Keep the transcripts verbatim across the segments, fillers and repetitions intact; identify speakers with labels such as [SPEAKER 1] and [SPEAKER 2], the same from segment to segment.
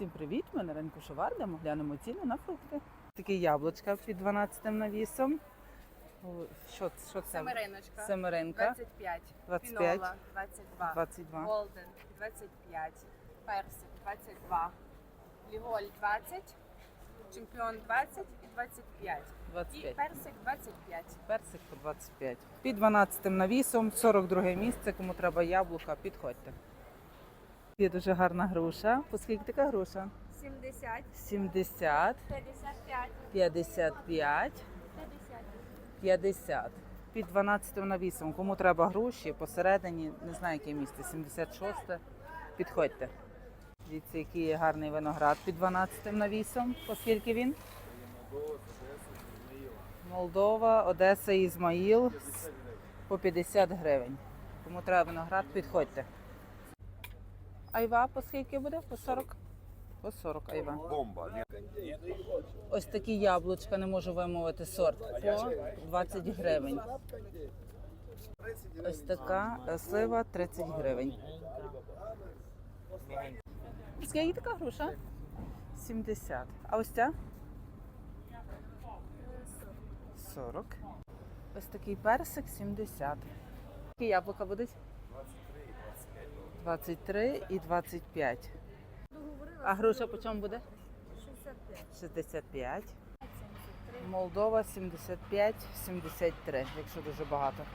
[SPEAKER 1] Всім привіт! Ми на ринку Шоварда. Ми глянемо ціни на фрукти. Такі яблучка під дванадцятим навісом. О, Що, що це?
[SPEAKER 2] Семериночка.
[SPEAKER 1] Семеринка.
[SPEAKER 2] двадцять п'ять.
[SPEAKER 1] двадцять п'ять.
[SPEAKER 2] Пінола двадцять два.
[SPEAKER 1] двадцять два.
[SPEAKER 2] Голден двадцять п'ять. Персик двадцять два. Ліголь двадцять. Чемпіон двадцять і двадцять п'ять.
[SPEAKER 1] двадцять
[SPEAKER 2] І
[SPEAKER 1] п'ять.
[SPEAKER 2] персик двадцять п'ять.
[SPEAKER 1] Персик по двадцять п'ять. Під дванадцятим навісом, сорок друге місце. Кому треба яблука, підходьте. Є дуже гарна груша. По скільки така груша?
[SPEAKER 2] сімдесят.
[SPEAKER 1] сімдесят,
[SPEAKER 2] п'ятдесят п'ять.
[SPEAKER 1] п'ятдесят п'ять,
[SPEAKER 2] п'ятдесят.
[SPEAKER 1] п'ятдесят. Під дванадцятим навісом. Кому треба груші, посередині, не знаю яке місце, сімдесят шосте. Підходьте. Дивіться, який є гарний виноград під дванадцятим навісом. По скільки він? Молдова, Одеса, Ізмаїл. По п'ятдесят гривень. Кому треба виноград, підходьте. Айва по скільки буде? По сорок? По сорок айва.
[SPEAKER 3] Бомба.
[SPEAKER 1] Ось такі яблучка, не можу вимовити сорт, по двадцять гривень. Ось така слива тридцять гривень. Скільки така груша? сімдесят. А ось ця? сорок. Ось такий персик сімдесят. Які яблука будуть? двадцять три і двадцять п'ять. А груша по чому буде? шістдесят п'ять. Молдова сімдесят п'ять, сімдесят три, якщо дуже багато.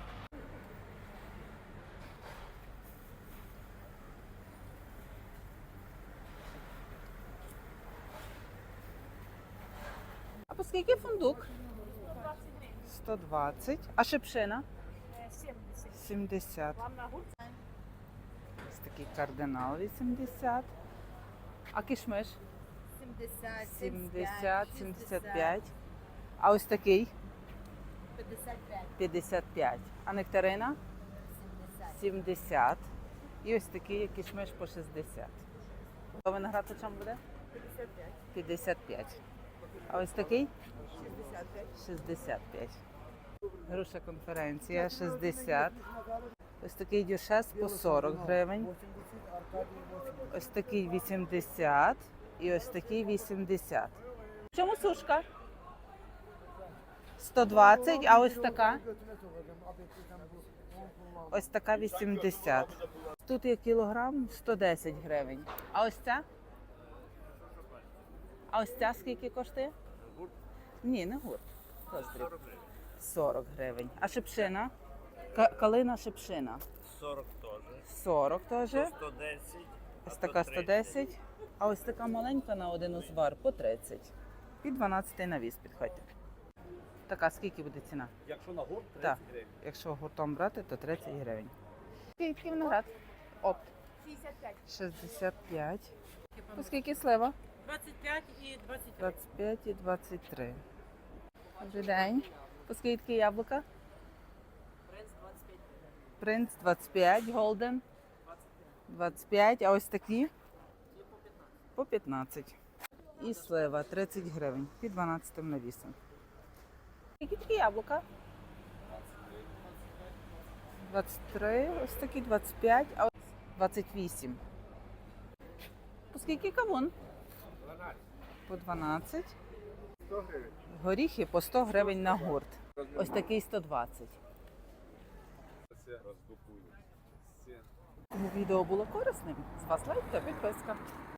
[SPEAKER 1] А по скільки фундук? сто двадцять. А шипшина? сімдесят. Ось такий кардинал вісімдесят. А кишмиш?
[SPEAKER 2] сімдесят.
[SPEAKER 1] сімдесят, сімдесят п'ять. А ось такий?
[SPEAKER 2] п'ятдесят п'ять.
[SPEAKER 1] п'ятдесят п'ять. А нектарина?
[SPEAKER 2] сімдесят.
[SPEAKER 1] сімдесят. І ось такий як кишмиш по шістдесят. А виноград по чому буде?
[SPEAKER 2] п'ятдесят п'ять.
[SPEAKER 1] п'ятдесят п'ять. А ось такий?
[SPEAKER 2] шістдесят п'ять.
[SPEAKER 1] шістдесят п'ять. Груша конференція шістдесят. Ось такий дюшес по сорок гривень. Ось такий вісімдесят. І ось такий вісімдесят. В чому сушка? сто двадцять, а ось така? Ось така вісімдесят. Тут є кілограм сто десять гривень. А ось ця? А ось ця скільки коштує? Ні, не гурт. Роздріб. сорок гривень. А шипшина? Ка- Калина шипшина.
[SPEAKER 3] сорок теж.
[SPEAKER 1] сорок теж.
[SPEAKER 3] сто десять.
[SPEAKER 1] Ось така сто десять. А ось така маленька на один узвар по тридцять. Під дванадцятий навіс підходьте. Така скільки буде ціна?
[SPEAKER 3] Якщо на гурт,
[SPEAKER 1] Так.
[SPEAKER 3] тридцять гривень.
[SPEAKER 1] Якщо гуртом брати, то тридцять гривень. Скільки виноград? Опт.
[SPEAKER 2] шістдесят п'ять.
[SPEAKER 1] шістдесят п'ять. По скільки слива?
[SPEAKER 4] двадцять п'ять і двадцять три.
[SPEAKER 1] двадцять п'ять і двадцять три. Добрий день. По скільки яблука?
[SPEAKER 4] Принц двадцять п'ять.
[SPEAKER 1] Принц двадцять п'ять, голден двадцять п'ять, а ось такі? По п'ятнадцять. І слива тридцять гривень під дванадцятим навісом. Які такі яблука? двадцять три, ось такі двадцять п'ять, а ось двадцять вісім. По скільки кавун? По дванадцять. Горіхи по сто гривень на гурт. Ось такий сто двадцять. Кому відео було корисним, з вас лайк та підписка.